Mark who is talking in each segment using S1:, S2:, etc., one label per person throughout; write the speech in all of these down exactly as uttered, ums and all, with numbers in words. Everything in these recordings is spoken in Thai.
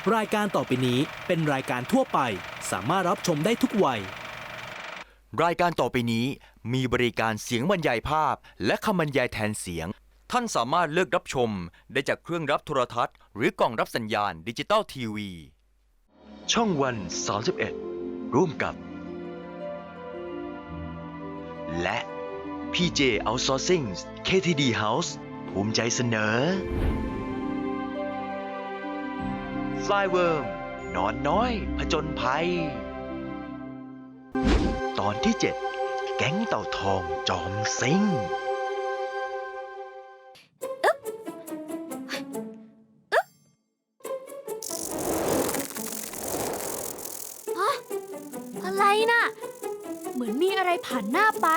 S1: รายการต่อไปนี้เป็นรายการทั่วไปสามารถรับชมได้ทุกวัย
S2: รายการต่อไปนี้มีบริการเสียงบรรยายภาพและคำบรรยายแทนเสียงท่านสามารถเลือกรับชมได้จากเครื่องรับโทรทัศน์หรือกล่องรับสัญญาณดิจิตอลทีวีช่องวันสามสิบเอ็ดร่วมกับและ พี เจ Outsourcing เค ที ดี House ภูมิใจเสนอ Flyworm นอนน้อยผจญภัยตอนที่เจ็ดแก๊งเต่าทองจอมซิ่ง
S3: อะไรน่ะเหมือนมีอะไรผ่านหน้าไป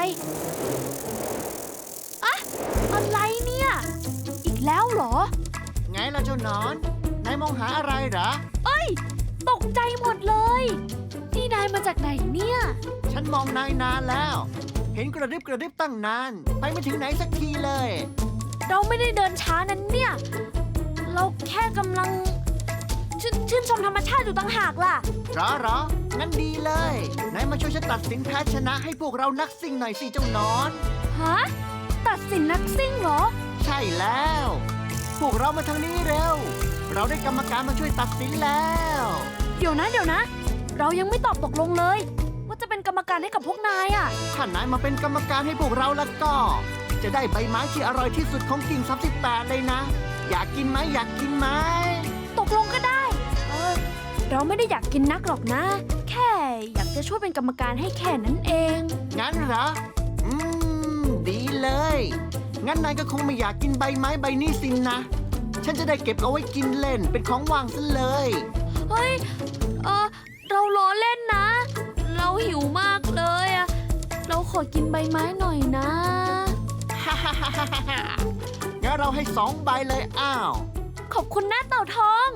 S3: อะอะไรเนี่ยอีกแล้วเหรอ
S4: ไงล่ะเจ้าหนอนนายมองหาอะไรเหรอ
S3: เอ้ยตกใจหมดเลยนี่นายมาจากไหนเนี่ย
S4: ฉันมองนายนานแล้วเห็นกระดิบกระดิบตั้งนานไปไม่ถึงไหนสักทีเลย
S3: เราไม่ได้เดินช้านั้นเนี่ยเราแค่กำลังชชื่นชมธรรมชาติอยู่ต่างหากล่ะ
S4: หรอหรองั้นดีเลยนายมาช่วยฉันตัดสินแพ้ชนะให้พวกเรานักซิ่งหน่อยสิเจ้านอน
S3: ฮะตัดสินนักซิ่งเหรอ
S4: ใช่แล้วพวกเรามาทางนี้เร็วเราได้กรรมการมาช่วยตัดสินแล้ว
S3: เดี๋ยวนะเดี๋ยวนะเรายังไม่ตอบตกลงเลยว่าจะเป็นกรรมการให้กับพวกนายอ่ะ
S4: ถ้านายมาเป็นกรรมการให้พวกเราแล้วก็จะได้ใบไม้ที่อร่อยที่สุดของกิ่งสามสิบแปดเลยนะอยากกินไหมอยากกินไหม
S3: ตกลงก็ได้เออเราไม่ได้อยากกินนักหรอกนะแค่อยากจะช่วยเป็นกรรมการให้แค่นั้นเอง
S4: งั้นเหรออืมดีเลยงั้นนายก็คงไม่อยากกินใบไม้ใบนี้สินนะฉันจะได้เก็บเอาไว้กินเล่นเป็นของว่างซะเลย
S3: เฮ้ยเออเราล้อเล่นนะเราหิวมากเลยอะเราขอกินใบไม้หน่อยนะ
S4: ฮ่าฮ่าฮ่าฮ่างั้นเราให้สองใบเลยอ้าว
S3: ขอบคุณนะเต่าทอง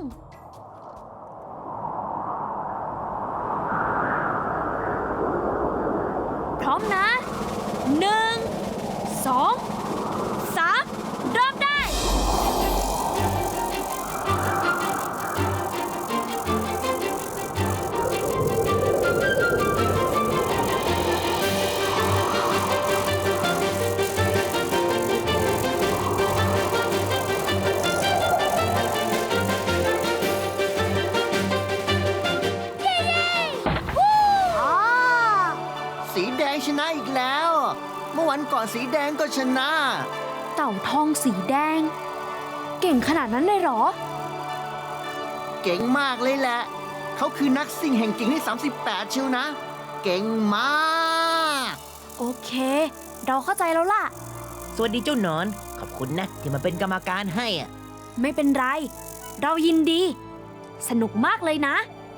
S3: พร้อมนะหนึ่งสองสามเริ่มได้
S4: สีแดงชนะอีกแล้วเมื่อวันก่อนสีแดงก็ชนะ
S3: เต่าทองสีแดงเก่งขนาดนั้นเลยเหรอ
S4: เก่งมากเลยแหละเขาคือนักซิ่งแห่งกิ่งที่สามสิบแปดเชียวนะเก่งมาก
S3: โอเคเราเข้าใจแล้วล่ะ
S5: สวัสดีเจ้าหนอนขอบคุณนะที่มาเป็นกรรมการให้อ่ะ
S3: ไม่เป็นไรเรายินดีสนุกมากเลยนะ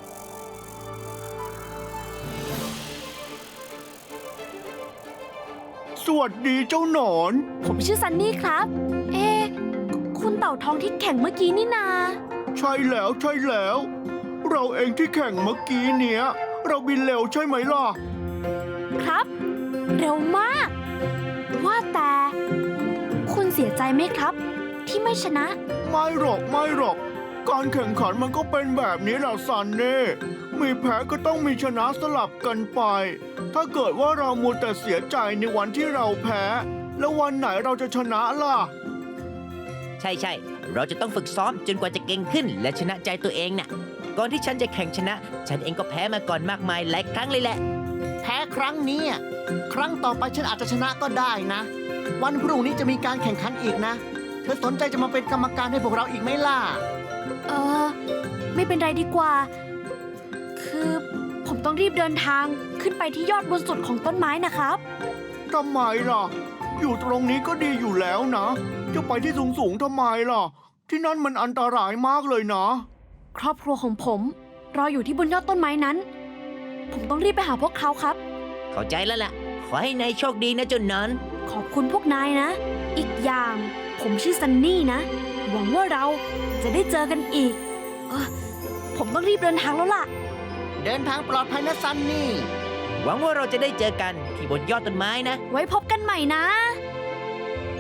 S4: สวัสดีเจ้าหนอน
S3: ผมชื่อซันนี่ครับเอ๊ะคุณเต่าทองที่แข่งเมื่อกี้นี่นา
S4: ใช่แล้วใช่แล้วเราเองที่แข่งเมื่อกี้เนี้ยเราบินเร็วใช่ไหมล่ะ
S3: ครับเร็วมากว่าแต่คุณเสียใจไหมครับที่ไม่ชนะ
S4: ไม่หรอกไม่หรอกการแข่งขันมันก็เป็นแบบนี้แหละซันนี่มีแพ้ก็ต้องมีชนะสลับกันไปถ้าเกิดว่าเรามัวแต่เสียใจในวันที่เราแพ้แล้ววันไหนเราจะชนะล่ะ
S5: ใช่ใช่เราจะต้องฝึกซ้อมจนกว่าจะเก่งขึ้นและชนะใจตัวเองน่ะก่อนที่ฉันจะแข่งชนะฉันเองก็แพ้มาก่อนมากมายหลายครั้งเลยแหละ
S4: แพ้ครั้งนี้ครั้งต่อไปฉันอาจจะชนะก็ได้นะวันพรุ่งนี้จะมีการแข่งขันอีกนะเธอสนใจจะมาเป็นกรรมการให้พวกเราอีกไหมล่ะ
S3: เออไม่เป็นไรดีกว่าคือผมต้องรีบเดินทางขึ้นไปที่ยอดบนสุดของต้นไม้นะครับ
S4: ทำไมล่ะอยู่ตรงนี้ก็ดีอยู่แล้วนะจะไปที่สูงสูงทำไมล่ะที่นั่นมันอันตรายมากเลยนะ
S3: ครอบครัวของผมรออยู่ที่บนยอดต้นไม้นั้นผมต้องรีบไปหาพวกเขาครับ
S5: เข้าใจแล้วล่ะขอให้นายโชคดีนะเจ้าหนอน
S3: ขอบคุณพวกนายนะอีกอย่างผมชื่อซันนี่นะหวังว่าเราจะได้เจอกันอีกเออผมต้องรีบเดินทางแล้วล่ะ
S4: เดินทางปลอดภัยนะซันนี่
S5: หวังว่าเราจะได้เจอกันที่บนยอดต้นไม้นะ
S3: ไว้พบกันใหม่นะ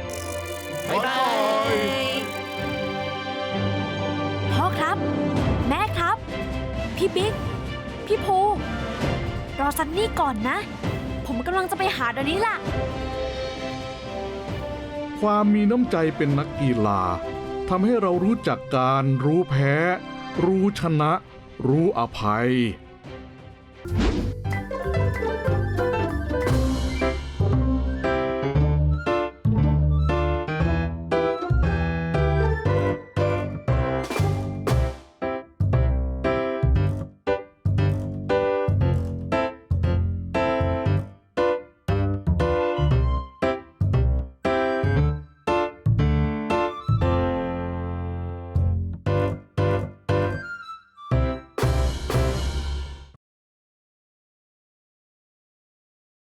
S5: บ๊ายบาย
S3: พ่อครับแแม่ครับ พี่บิ๊ก พี่ภู รอซันนี่ก่อนนะ ผมกำลังจะไปหาเดี๋ยวนี้ล่ะ
S6: ความมีน้ำใจเป็นนักกีฬาทำให้เรารู้จักการรู้แพ้ รู้ชนะ รู้อภัย